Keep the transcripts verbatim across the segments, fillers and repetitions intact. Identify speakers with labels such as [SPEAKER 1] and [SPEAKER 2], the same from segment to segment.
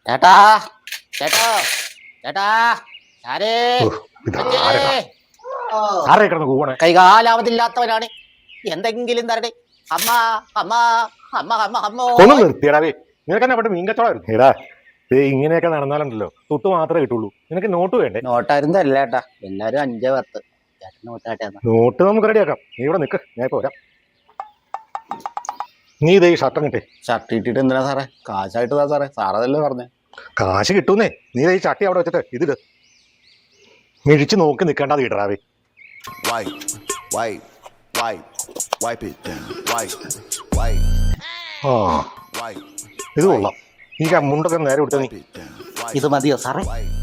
[SPEAKER 1] ചേട്ടാ ചേട്ടോ ചേട്ടാ ആരേ
[SPEAKER 2] ആരെ കിടന്ന് കൂവണേ?
[SPEAKER 1] കൈകാലാവതില്ലാത്തവനാണ്. എന്തെങ്കിലും തരട്ടെ. അമ്മ അമ്മ അമ്മ അമ്മ അമ്മോ.
[SPEAKER 2] ഒന്ന് നിർത്തിയടാവേ, നിനക്ക് തന്നെ അവിടെ മീൻ കച്ചവടം. എടാ ഇങ്ങനെയൊക്കെ നടന്നാലുണ്ടല്ലോ തൊട്ട് മാത്രമേ കിട്ടുള്ളൂ. നിനക്ക് നോട്ട് വേണ്ടേ?
[SPEAKER 1] നോട്ടായിരുന്നു അല്ല ചേട്ടാ, എല്ലാരും അഞ്ചേ പത്ത്. ചേട്ടൻ നോട്ടാട്ടെ.
[SPEAKER 2] നോട്ട് നമുക്ക് റെഡിയാക്കാം. നീ ഇവിടെ നിക്ക്, ഞാൻ ഇപ്പൊ വരാം. നീ ഇതേ ഷർട്ട് കിട്ടേ.
[SPEAKER 1] ഷർട്ട് ഇട്ടിട്ട് എന്തിനാ സാറേ? കാശായിട്ട് താ സാറേ, സാറതല്ലേ പറഞ്ഞേ.
[SPEAKER 2] കാശ് കിട്ടൂന്നേ. നീ ഈ ചട്ടി അവിടെ വെച്ചിട്ട് ഇതില് മിഴിച്ച് നോക്കി നിൽക്കേണ്ടത് ഇടറാവേ. ആ ഇത് കൊള്ളാം. ഈ മുണ്ടൊക്കെ നേരെ കൊടുത്ത നീ.
[SPEAKER 1] ഇത് മതിയോ സാറേ?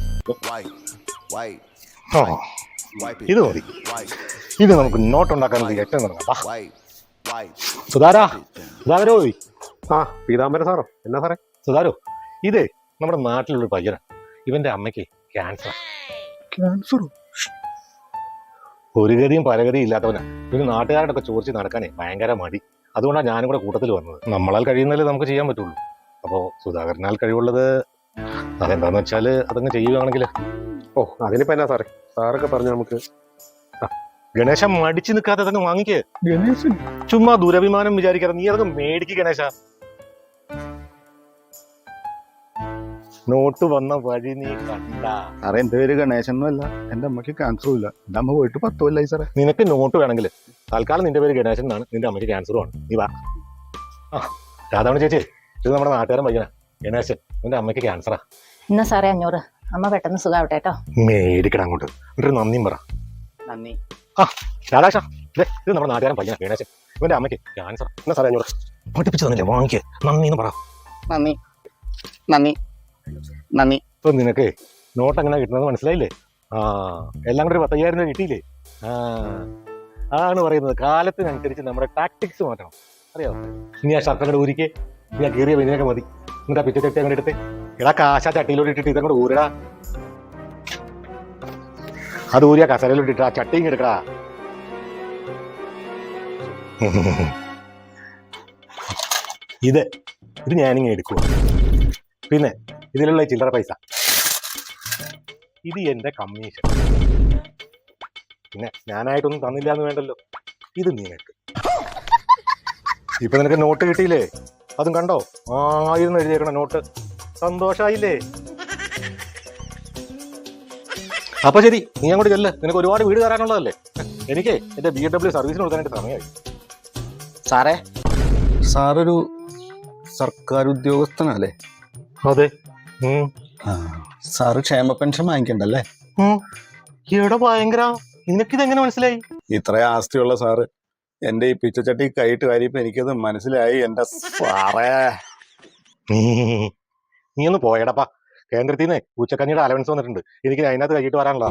[SPEAKER 2] ആ ഇത് മതി. ഇത് നമുക്ക് നോട്ടുണ്ടാക്കാൻ ഏറ്റവും തുടങ്ങാം. സുധാരാ സുധാരോ.
[SPEAKER 3] ആ പീതാംബര സാറോ? എന്നാ സാറേ?
[SPEAKER 2] സുധാരോ, ഇതേ നമ്മുടെ നാട്ടിലുള്ളൊരു പയ്യനാ. ഇവന്റെ അമ്മയ്ക്ക് ക്യാൻസർ.
[SPEAKER 3] ക്യാൻസറോ?
[SPEAKER 2] ഒരു ഗതിയും പലഗതിയും ഇല്ലാത്തവനാ. ഇവന് നാട്ടുകാരോടൊക്കെ ചോദിച്ച് നടക്കാനേ ഭയങ്കര മടി. അതുകൊണ്ടാണ് ഞാനും കൂടെ കൂട്ടത്തിൽ വന്നത്. നമ്മളാൽ കഴിയുന്നതിൽ നമുക്ക് ചെയ്യാൻ പറ്റുള്ളൂ. അപ്പോ സുധാകരനാൽ കഴിവുള്ളത് അതെന്താന്ന് വെച്ചാല് അതങ്ങ് ചെയ്യുകയാണെങ്കിൽ.
[SPEAKER 3] ഓ അതിനിപ്പോ എന്നാ സാറേ? സാറൊക്കെ പറഞ്ഞു നമുക്ക്.
[SPEAKER 2] ഗണേശ മടിച്ചു നിൽക്കാതെ അതങ്ങ് വാങ്ങിക്കേ.
[SPEAKER 3] ഗണേശൻ
[SPEAKER 2] ചുമ്മാ ദുരഭിമാനം വിചാരിക്കാതെ നീ അതൊക്കെ മേടിക്ക് ഗണേശ. നോട്ട് വന്ന വഴി നീ കണ്ട.
[SPEAKER 3] സാറേ എന്റെ പേര് ഗണേശൻ ഒന്നുമല്ല, എന്റെ അമ്മയ്ക്ക് ക്യാൻസറും ഇല്ല. എന്റെ അമ്മ പോയിട്ട് പത്ത് കൊല്ലായി സാറേ.
[SPEAKER 2] നിനക്ക് നോട്ട് വേണമെങ്കിൽ തൽക്കാലം നിന്റെ പേര് ഗണേശൻ എന്നാണ്, നിന്റെ അമ്മയ്ക്ക് ക്യാൻസറും ആണ്. നീ വാ. ആ രാധാമണി ചേച്ചി, ഇത് നമ്മുടെ നാട്ടുകാരൻ പയ്യനാ ഗണേശൻ. നിന്റെ അമ്മയ്ക്ക് ക്യാൻസറാ.
[SPEAKER 4] എന്നാ സാറേ അഞ്ഞൂറ്. അമ്മ പെട്ടെന്ന് സുഖാവട്ടെ കേട്ടോ.
[SPEAKER 2] മേടിക്കണം അങ്ങോട്ട്. എന്നിട്ട് നന്ദിയും പറ.
[SPEAKER 1] നന്ദി.
[SPEAKER 2] ആ രാധാശ, ഇത് നമ്മുടെ നാട്ടുകാരൻ പയ്യനാ ഗണേശൻ. ഇവന്റെ അമ്മയ്ക്ക് ക്യാൻസർ. എന്നാ സാറേ അഞ്ഞൂറ് പഠിപ്പിച്ചു തന്നില്ലേ, വാങ്ങിക്കേ. നന്ദി എന്ന് പറ.
[SPEAKER 1] നന്ദി നന്ദി നന്ദി.
[SPEAKER 2] ഇപ്പൊ നിനക്ക് നോട്ട് എങ്ങനെ കിട്ടുന്നത് മനസ്സിലായില്ലേ? ആ എല്ലാം കൂടെ ഒരു പത്തയ്യായിരം രൂപ കിട്ടിയില്ലേ? ആ ആണ് പറയുന്നത്. കാലത്തിനനുസരിച്ച് നമ്മുടെ ടാക്ടിക്സ് മാറ്റണം, അറിയാമോ? ഇനി ആ ഷർട്ട് അങ്ങോട്ട് ഊരിക്കേ. ഇനി ആ കീറിയ വെനിയൊക്കെ മതി. എന്നിട്ട് ആ പിച്ച ചട്ടി അങ്ങോട്ട് എടുത്തേ. എടാ കാശ ചട്ടിയിലോട്ട് ഇട്ടിട്ട് ഇതങ്ങോട്ട് ഊരടാ. അത് ഊരിയ കസരയിലോട്ട് ഇട്ടാ ചട്ടിയും എടുക്കടാ. ഇത് ഇത് ഞാനിങ്ങനെ എടുക്കുക. പിന്നെ ഇതിലുള്ള ചില്ലറ പൈസ ഇത് എന്റെ കമ്മീഷൻ. പിന്നെ ഞാനായിട്ടൊന്നും തന്നില്ല എന്ന് വേണ്ടല്ലോ, ഇത് നിനക്ക്. ഇപ്പൊ നിനക്ക് നോട്ട് കിട്ടിയില്ലേ? അതും കണ്ടോ? ആയിരുന്നു എഴുതിയേക്കണ നോട്ട്. സന്തോഷായില്ലേ? അപ്പൊ ശരി, നീ അങ്ങോട്ട് ചെല്ല്. നിനക്ക് ഒരുപാട് വീട് തരാനുള്ളതല്ലേ. എനിക്ക് എന്റെ ബി എം ഡബ്ല്യു സർവീസിന് കൊടുക്കാനായിട്ട് സമയമായി.
[SPEAKER 1] സാറേ
[SPEAKER 3] സാറൊരു സർക്കാർ ഉദ്യോഗസ്ഥനല്ലേ?
[SPEAKER 2] അതെ.
[SPEAKER 3] സാറ് ക്ഷേമ പെൻഷൻ വാങ്ങിക്കണ്ടല്ലേ?
[SPEAKER 2] ഇവിടെ ഭയങ്കര. നിനക്കിതെങ്ങനെ മനസ്സിലായി?
[SPEAKER 3] ഇത്രയും ആസ്തിയുള്ള സാറ് എന്റെ ഈ പിച്ചച്ചട്ടി കൈയിട്ട് കാര്യപ്പോ എനിക്കത് മനസ്സിലായി. എന്റെ സാറേ
[SPEAKER 2] നീ ഒന്ന് പോയടപ്പാ. കേന്ദ്രത്തിൽ നിന്ന് ഉച്ചക്കഞ്ഞിയുടെ അലവൻസ് വന്നിട്ടുണ്ട്. എനിക്ക് അതിനകത്ത് കഴിയിട്ട് വരാനുള്ള.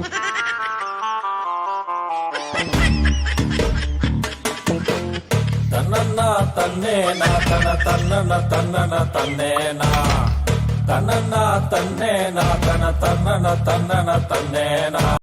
[SPEAKER 5] തന്നന്ന തന്നേന തന തന്നന തന്നന തന്നേന തന്നന്ന തന്നേന തന തന്നന തന്നന തന്നേന.